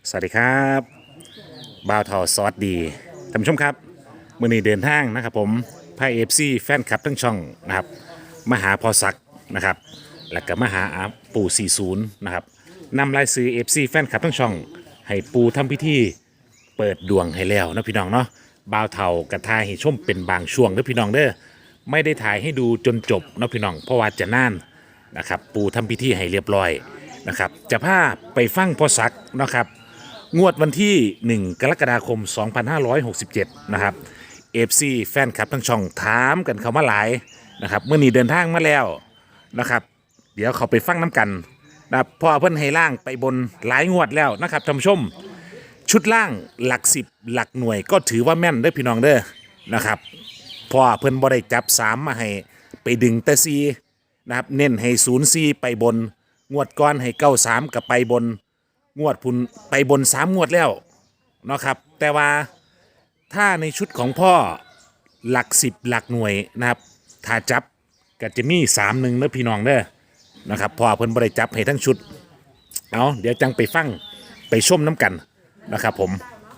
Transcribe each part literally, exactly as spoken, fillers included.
สวัสดีครับบ่าวทอซอสดีท่านผู้ชมครับมื่อนี้เดินทางนะครับผมพายเอฟซีแฟนคลับทั้งช่องนะครับมาหาพอสักนะครับแล้วก็มาหาอาปู่สี่สิบนะครับนำรายซื้อเอฟซีแฟนคลับทั้งช่องให้ปูทำพิธีเปิดดวงให้แล้วนะพี่น้องเนาะบ่าวเทากระทายให้ชมเป็นบางช่วงเด้อพี่น้องเด้อไม่ได้ถ่ายให้ดูจนจบนะพี่น้องเพราะว่าจะน่านนะครับปูทำพิธีให้เรียบร้อยนะครับจะพาไปฟังพอสักนะครับงวดวันที่หนึ่งกรกฎาคมสองพันห้าร้อยหกสิบเจ็ดนะครับ เอ เอฟ ซี แฟนคลับทั้งช่องถามกันเข้ามาหลายนะครับเมื่อนี้เดินทางมาแล้วนะครับเดี๋ยวเขาไปฟังน้ำกันนะครับพ่อเพิ่นให้ล่างไปบนหลายงวดแล้วนะครับท่านผู้ชมชุดล่างหลักสิบหลักหน่วยก็ถือว่าแม่นเด้อพี่น้องเด้อนะครับพ่อเพิ่นบ่ได้จับสามมาให้ไปดึงแต่ซีนะครับเน้นให้ศูนย์ซีไปบนงวดก้อนให้เก้าสามกับไปบนงวดพุ่นไปบนสามงวดแล้วเนาะครับแต่ว่าถ้าในชุดของพ่อหลักสิบหลักหน่วยนะครับถ้าจับก็จะมีสามหนึ่งเด้อพี่น้องเด้อนะครับพ่อเพิ่นบ่ได้จับให้ทั้งชุดเอาเดี๋ยวจังไปฟังไปชมน้ำกันนะครับผม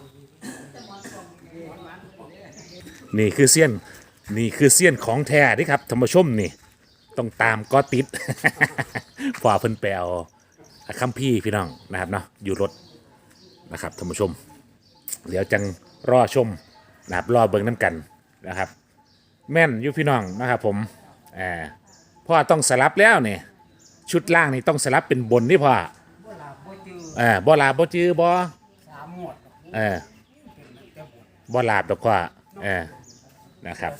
นี่คือเสี้ยนนี่คือเสี้ยนของแท้ดิครับท่านผู้ชมนี่ต้องตามก็ติด พ่อเพิ่นแปลคัมภีร์พี่น้องนะครับเนาะอยู่รถนะครับท่านผู้ชมเดี๋ยวจังรอชมนะครับรอเบิ่งน้ำกันนะครับแม่นอยู่พี่น้องนะครับผมอ่าพ่อต้องสลับแล้วเนี่ยชุดล่างนี่ต้องสลับเป็นบนนี่พ่ออ่าบ่ลาบ่จื้อบ่เออบ่ลาบดอกพ่อเออนะครับ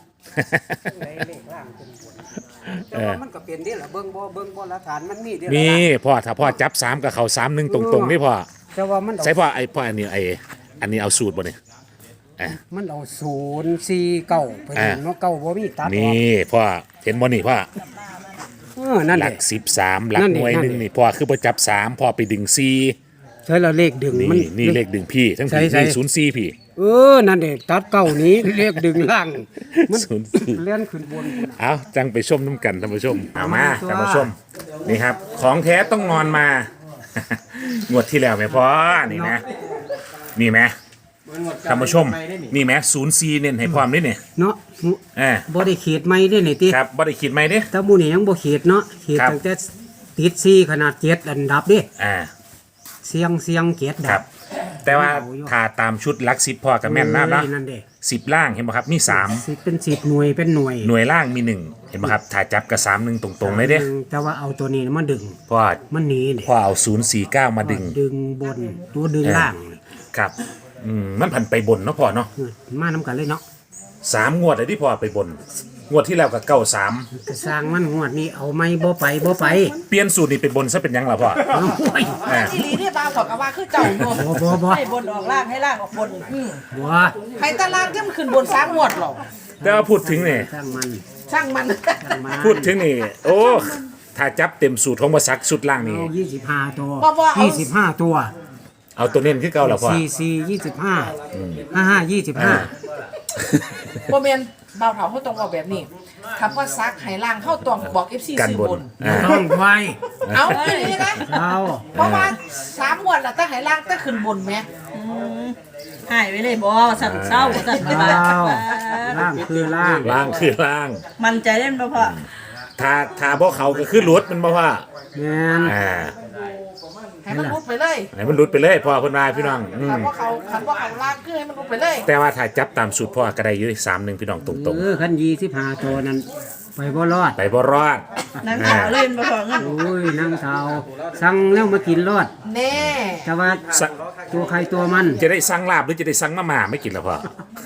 แต่ว่ามันก็เป็นนี่แหละเบิ่งบ่เบิ่งบ่หลักฐานมันมีเด้อมีพ่อถ้าพ่อจับสามกับเขาสามหนึ่งตรงๆนี่พ่อแต่ว่ามันเอาใช่พ่อไอ้พ่ออันนี้ไอ้อันนี้เอาสูตรบ่เนี่ยมันเอาศูนย์สี่เก้าไปเห็นว่าเก้าบ่มีตัดออกนี่พ่อเห็นบ่นี่พ่อเออนั่นหแหลัละกสิบสามหลักนั่นหดิน่วยหนึ่งนั่นดินี่พ่อคือประจับสามพ่อไปดึงซีใช่แล้วเลขดึงนี่มันนี่เลขดึงพี่ทั้งใช่พี่ใช่นี่ศูนย์ซีพี่เออนั่นเด้ตัดเก้านี้เลขดึงล่างมันศูนย์สี่เลื่อนขึ้นบนเอาจังไปชมน้ำกันท่านผู้ชมเอามาเอามาท่านผู้ชมนี่ครับของแท้ต้องนอนมา งวดที่แล้วไหมพ่อนี่นะนี่ไหมท่านผู้ชมนี่ไหมศูนย์ซีเน้นให้ความนี่เนี่ยเนาะเออบ่ได้เขตใหม่เด้นี่ติครับบ่ได้คิดไหมเด้แต่หมู่นี่ยังบ่เขตเนาะเขตครับตั้งแต่ติดสี่ขนาดเจ็ดอันดับเด้อ่าเสียงเสียงเจ็ดคดัรับบแต่ว่าถ้าตามชุดลักสิบพ่อกับแม่นนะเนาะโอ้ยนั่นเด้สิบล่างเห็นไหมครับมีสามสิเป็นสิบหน่วยเป็นหน่วยหน่วยล่างมีหนึ่งเห็นไหมครับถ้าจับกับสามหนึ่งตรงๆเลยเด้แต่ว่าเอาตัวนี้มาดึงเพราะว่ามันหนีเด้พ่อเอาศูนย์สี่เก้ามาดึงดึงบนตัวดึงล่างครับอืมมันผันไปบนเนาะพ่อเนาะมาน้ำกันเลยเนาะสามงวดเลยที่พ่อไปบน งวดที่แล้วกับเก้าสามกระสร้างมันงวดนี้เอาไม่บ่ไปบ่ไปเปลี่ยนสูตรนี่เป็นบนซะเป็นยังล่ะพ่อเอาโอ้ยอ่าที่ลีเนี่ยบางบอกว่าคือเจ้าโยมบ่บ่บ่ให้บนออกล่างให้ล่างออกบนอืมบัวให้ตารางที่มันขึ้นบนสามงวดหรอกแต่ว่าพูดถึงนี่สร้างมันช่างมันสร้างมันพูดถึงนี่โอ้ถ้าจับเต็มสูตรของมาซักสุดล่างนี่เอายี่สิบห้าตัวบ่บ่เอายี่สิบห้าตัวเอาตัวเน้นขึ้นเก่าแล้วพ่อสี่สี่ยี่สิบห้าห้าห้ายี่สิบห้าโมเมนเบาเถาเขาตรงบอกแบบนี้คำว่าซักให้ล่างเข้าตรงบอก เอฟ ซีกันซื้อบนบนอ่าต้องไวเอาอย่างนี้นะเราเพราะว่าสามงวดแล้วตั้งให้ล่างตั้งขึ้นบนไหมหายไปเลยบ่สั่นเศร้าสั่นเราล่างคือล่างล่างคือล่างมันใจเล่นบ่พอถ้าถ้าบ่เขาก็คือหลุดมันบ่ว่าแม่นอ่าให้มันรุดไปเลยให้มันหลุดไปเลยพ่อเพิ่นว่าพี่น้องอืมคำว่าเขาคำว่าเขาล่างคือให้มันรุดไปเลยแต่ว่าถ้าจับตามสูตรพ่อก็ได้อยู่สามหนึ่งพี่น้องตรงเออขั้นยี่สิบห้าตัวนั้นไปบ่รอดๆ ไปบ่รอดนั่งขาวเล่นบ่พอเงินโอ้ยนั่งเท้าสั่งแล้วมากินรอดแน่แต่ว่าสะตัวใครตัวมันจะได้สั่งลาบหรือจะได้สั่งมาม่าไม่กินแล้วพ่อ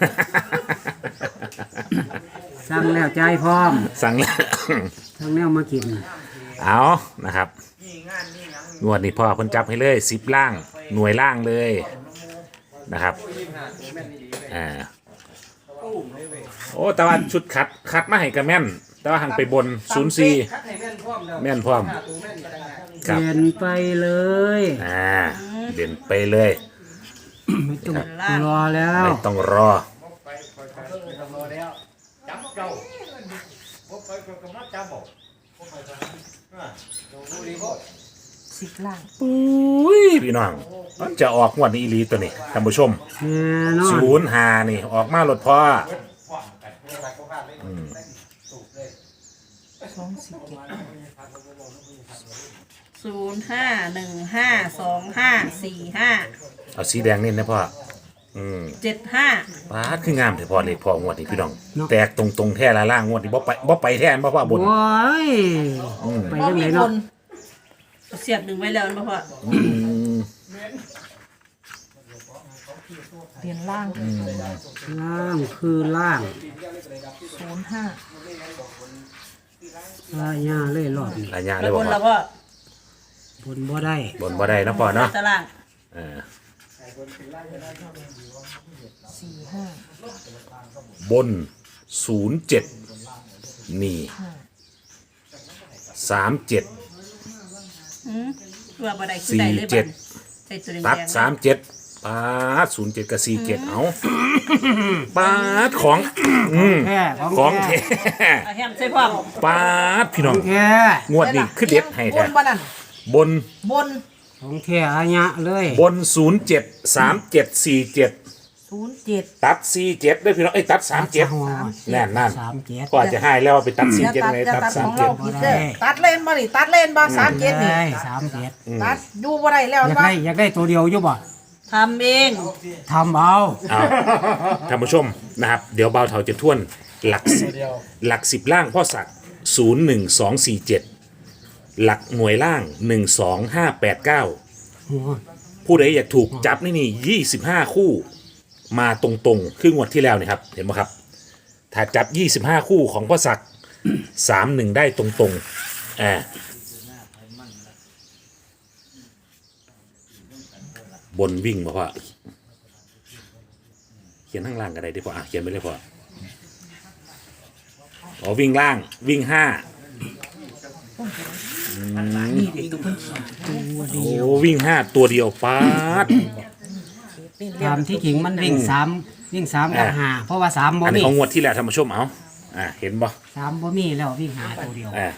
สั่งแล้วใจายพร้อมสั่งแล้วสั่งแล้วมากินเอานะครับงวดนี้พ่อเพิ่นจับให้เลยสิบล่าง หน่วยล่างเลยนะครับอ่าโอ้แต่ว่าชุดคัดคัดมาให้กระแม่น แต่ว่าหังไปบนศูนย์สี่แม่นพร้อมเปครับลี่ยนไปเลยอ่าเด่นไปเลยไม่ต้องรอแล้วไม่ต้องรอสสิบล่างอุ้ยพี่น้องมันจะออกงวดนี้อีหลีตัวนี้ท่านผู้ชมแน่นอนศูนย์หานี่ออกมาหลดพ่อสองสิบเจ็ดศูนย์ห้าหนึ่งห้าสองห้าสี่ห้าเอาสีแดงนี่นะพ่ออืมเจ็ดห้าปาดคืองามแต่พ่อเลขพ่องวดนี้พี่น้องแตกตรงตรงๆแท้ละล่างงวดนี้บ่ไปบ่ไปแท้บ่พ่อบนโอ้ยไปบ่จังมีไดคเนาะนเสียบหนึ่งไว้แล้วนะพ่ออืมเรียนล่างล่างคือล่างศูนย์ห้าลายาเล่รอบนี่หลายอย่างเลแล้ยวบบ่นพ่แล้อวพ่อบนบ่ได้บนบ่ได้นะพ่อเนาะตารางเออสี่ห้าบนศูนย์เจ็ดนี่สามเจ็ดอืมว่าบ่ได้คือสี่ได้เลยเจ็ดใส่ตัวแดงตัดสามเจ็ดปาดศูนย์เจ็ดกับสี่เจ็ดเอาปาดของอืมแท้ขขออง งแท้แท้เอาแฮมใส่พ่อมปาดพี่น้องของแท้งวดนี้คือเด็ดให้บแท้นบ้านั่นบนบนของแท้อาญะเลยบนศูนย์เจ็ดสามเจ็ดสี่เจ็ดศูนย์เจ็ดตัดสี่เจ็ดด้วยพี่น้องเอ้ยตัดสามเจ็ดแน่นนั่นสามเจ็ดก็อาจจะให้แล้วว่าไปตัดสี่อย่าเจ็ดตัดไงอย่าตัดตัดสาขมองเจ็เราดผิดเด้อตัดเล่นบ่นี่ตัดเล่นบ่สามเจ็ดนี่ได้สามเจ็ดตัดอยู่บ่ได้แล้วอยากบ่ได้อยากได้ตัวเดียวอยู่บ่ทำเองทำเอาเอาท่านผู้ชมนะครับ เดี๋ยวเบาเถาจะท่วนหลักสิบหลักสิบล่างพ่อศักดิ์ศูนย์หนึ่งสองสี่เจ็ดหลักหน่วยล่างหนึ่งสองห้าแปดเก้าโอ้ยผู้ใดอยากถูกจับนี่นี่ยี่สิบห้าคู่มาตรงๆ คืองวดที่แล้วนี่ครับ เห็นไหมครับ ถ้าจับยี่สิบห้าคู่ของพ่อศักดิ์สามหนึ่งได้ตรงๆอ่าบนวิ่งมาพ่อเขียนข้างล่างก็ได้ดิพ่ออ่ะเขียนไปเลยพ่ออ๋อวิ่งล่างวิ่งห้านี่เด็กตัวเพิ่นเขียนโอ้วิ่งห้าตัวเดียวป๊าดตามที่จริงมันวิ่งสามวิ่งสามกับอ่าห้าเพราะว่าสามบ่อันนี้มีของงวดที่แล้วท่านผู้ชมเอาอ่าเห็นบ่สามบ่มีแล้ววิ่งหาตัวเดียวอ่า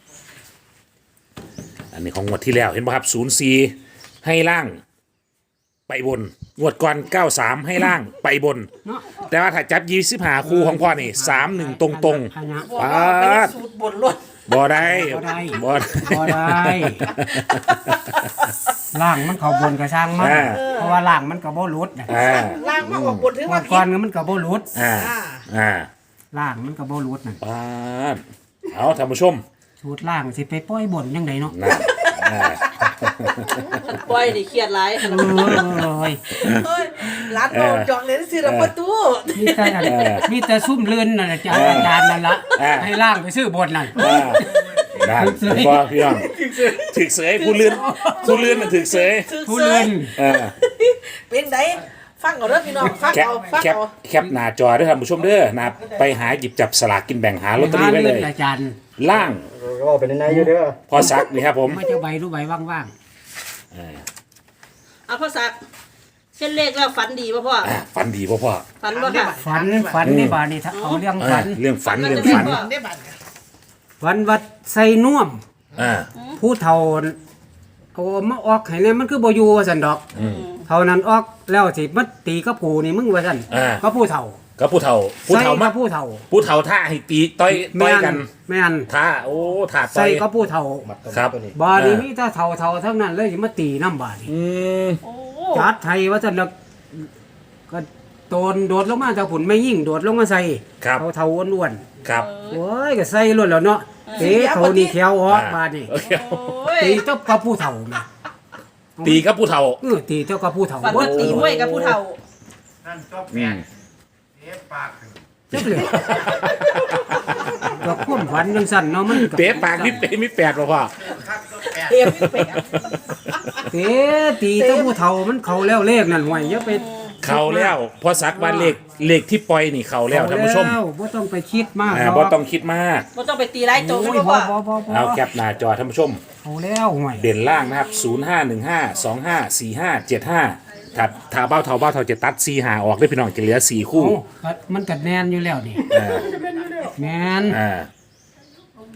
อันนี้ของงวดที่แล้วเห็นป่ะครับศูนย์สี่ให้ล่าง ไปบนงวดก่อนเก้าสามให้ล่างไปบนเนาะแต่ว่าถ้าจับยี่สิบหาคู่ของพ่อนี่สามหนึ่งตรงตรงอาญะๆป๊าดสูตรบนรถบ่ได้บ่ได้บ่บ่ได้ล่างมันเข้าบนกระช่างมันอ่าเพราะว่าล่างมันก็บ่หลุดน่ะอ่าล่างมาออกบนถึงงวว่าดผิก่อนดมันก็บ่หลุดอ่าอ่าอ่าล่างมันก็บ่หลุดน่ะป๊าดเอาท่านผู้ชมสูตรล่างสิไปปล่อยบนจังไดเนาะนะอ่าปล่อยดิเครียดหลายเอ้ยเฮ้ยร้านโดนจองเลยสิเราประตูมีแต่อันมีแต่ซุ่มลื่นนั่นน่ะจ้ะอาจารย์นั่นละให้ล่างไปซื้อบนนั่นอ่านั่นเห็นบ่พี่น้องถึกเสยผู้เลื่อนผู้เลื่อนมันถึกเสยผู้ลื่นเออเป็นไดฟังเอาเด้อพี่น้องฟังแคปเอาฟังแคปเอาแคปหน้าจอด้วยท่านผู้ชมเด้อนะครับไปหาหยิบจับสลากกินแบ่งหาลอตเตอรี่ไว้เลยอาจารย์ล่างก็เป็นในอยู่เด้อพอซักนี่ครับผมไม่จะใบรู้ใบว่างเอาพ่อสักเส้นเลขแล้วฝันดีป่ะพ่ออ่ะฝันดีพ่อพ่อฝันบ่ค่ะๆฝันฝันนี่บาดนี่ถ้าเอาเรื่องเอฝัอน เรื่องฝันเรื่องฝันได้บัตรฝันวัดใส่น่วมอ่าผู้เฒ่าเอามาออกให้เนี่ยมันคือบ่อยู่ว่าซั่นดอกเท่านั้นออกแล้วสิมาตีกับกูนี่มึงว่าซั่นอ่าก็ผู้เฒ่าก็ผู้เฒ่าผู้ใส่เฒ่ากัมาบผู้เฒ่าผู้เฒ่าท่าให้ตีต่อยต่อยกันแม่นท่าโอ้ท่าต่ใส่อยกับผู้เฒ่าครับบาดนี้มีแต่เฒ่าเฒ่าทั้งนั้นเลยสิมาตีน้ำบาดนี่อืมโอ้จัดไทยว่าซั่นแล้วก็โดนโดดลงมาจากผุนไม่ยิ่งโดดลงมาใส่ครับเฒ่าเฒ่าอ้วนครับๆโอ้ยก็ใส่ล้วนแล้วเนาะเตะเขานี่แขวออกบาดนี่โอเคโอ้ยตีเจ้ากับผู้เฒ่าแม่ตีกับผู้เฒ่าเออตีเจ้ากับผู้เฒ่าฝันว่าตีมวยกับผู้เฒ่าอืมเจ้าเลยก็ความฝันจังซั่นเนาะมันก็เป๊ะปากมีเป๊ะมีแปดป่ะพ่อเอ็มแปดเตะตีเจ้าผู้เฒ่ามันเข้าแล้วเลขนั่นห่วยอย่าไปเขาแล้วพอสักวันเลขเลขที่ปล่อยนี่เขาแล้วท่านผู้ชมแล้วบ่ต้องไปคิดมากอ่าหรอกบ่ต้องคิดมากบ่ต้องไปตีไล่โจงโอ้นะยพ่บ่อบ่บ่บ่เอาแคปหน้าจอท่านผู้ชมเอาแล้วห่วยเด่นล่างนะครับ ศูนย์ ห้า หนึ่ง ห้า สอง ห้า สี่ ห้า เจ็ด ห้า ถ้าถ้าเบ้าเท่าเบ้าเท่าจะตัดสี่หาออกได้พี่น้องจะเหลือสี่คู่โอ้ก็มันก็แน่นอยู่แล้วนี่อ่าแม่นอ่า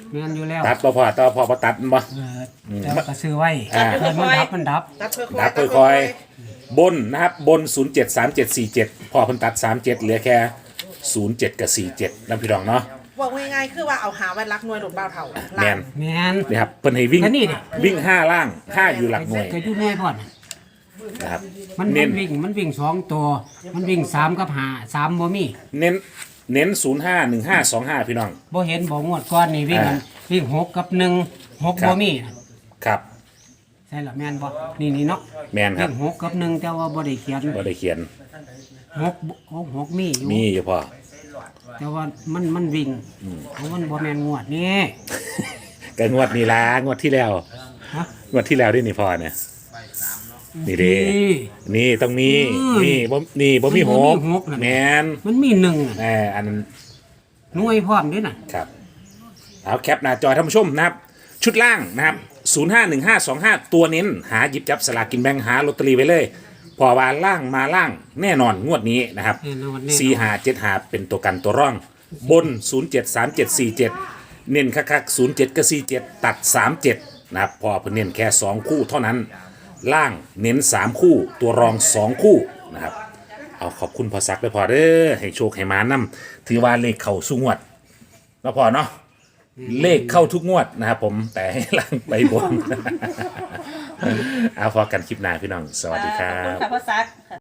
แม่นอยู่แล้วตัดบ่พอต่อพอบ่ตัดบ่เออแต่ว่าก็ซื้อไว้อ่าเพิ่นมันดับมันดับตัดค่อยๆดับค่อยๆบนนะครับบน ศูนย์ เจ็ด สาม เจ็ด สี่ เจ็ด พอเพิ่นตัด สาม เจ็ด เหลือแค่ ศูนย์ เจ็ด กับ สี่ เจ็ดนำพี่น้องเนาะบอกง่ายๆคือว่าเอาหาไว้รักหน่วยโดดบ่าวเท่าแม่นแม่นนี่ครับเพิ่นให้วิ่งแล้วนี่ดิวิ่งห้าล่างห้าอยู่หลักหน่วยก็อยู่หน่วยพอดนะครับมันเน้มัน นวิ่งมันวิ่งสองตัว มันวิ่งสามกับห้าสามบ่มีเน้นเน้น ศูนย์ ห้า หนึ่ง ห้า สอง ห้า พี่น้องบ่เห็นบ่งวดก่อนนี่วิ่งกันอ่าวิ่งหกกับหนึ่งหกครับบ่มีครับใช่ละแม่นบ่นี่นี่เนาะแม่นครัวิ่บงหกกับหนึ่งแต่ว่าบ่ได้เขียนบ่ได้เขียนหกหกหกมีอยู่มีอยู่พอแต่ว่ามันมันวิ่งเพราะมันบ่แม่นงวดนี่ก็งวดนี้ล่ะงวดที่แล้วฮะงวดที่แล้วนี่นี่พอเนี่ยนี่เด้นี่นี่ต้องมีอืมนี่บ่นี่บ่มีมันหบ่มีกหกนั่นแมนมันมีหนึ่งอะแหมอันนั้นหน่วยพร้อมด้วยน่ะครับเอาแคปหน้าจอท่านผู้ชมนะครับ ชุดล่างนะครับ ศูนย์ ห้า หนึ่ง ห้า สอง ห้า ตัวเน้น หาหยิบจับสลากกินแบ่งหาลอตเตอรี่ไว้เลย พอวาล่างมาล่างแน่นอนงวดนี้นะครับแน่นอนแน่นอนสี่หาเจ็ดหาเป็นตัวกันตัวร่อง บน ศูนย์ เจ็ด สาม เจ็ด สี่ เจ็ด เน้นคักๆศูนย์ เจ็ด กับ สี่ เจ็ด ตัด สาม เจ็ด นะครับพอเพิ่นเน้นแค่ สอง คู่เท่านั้น ล่างเน้น สาม คู่ ตัวรอง สอง คู่นะครับ เอาขอบคุณพอซักด้วยพอเด้อให้โชคให้มานำถือว่าเลขเข้าสุงวดแล้วพอเนาะเลขเข้าทุกงวดนะครับผมแต่ให้ล่างไปบน เอาพอกันคลิปหน้าพี่น้อง สวัสดีครัขอบคุณบค่ะพ่อซัก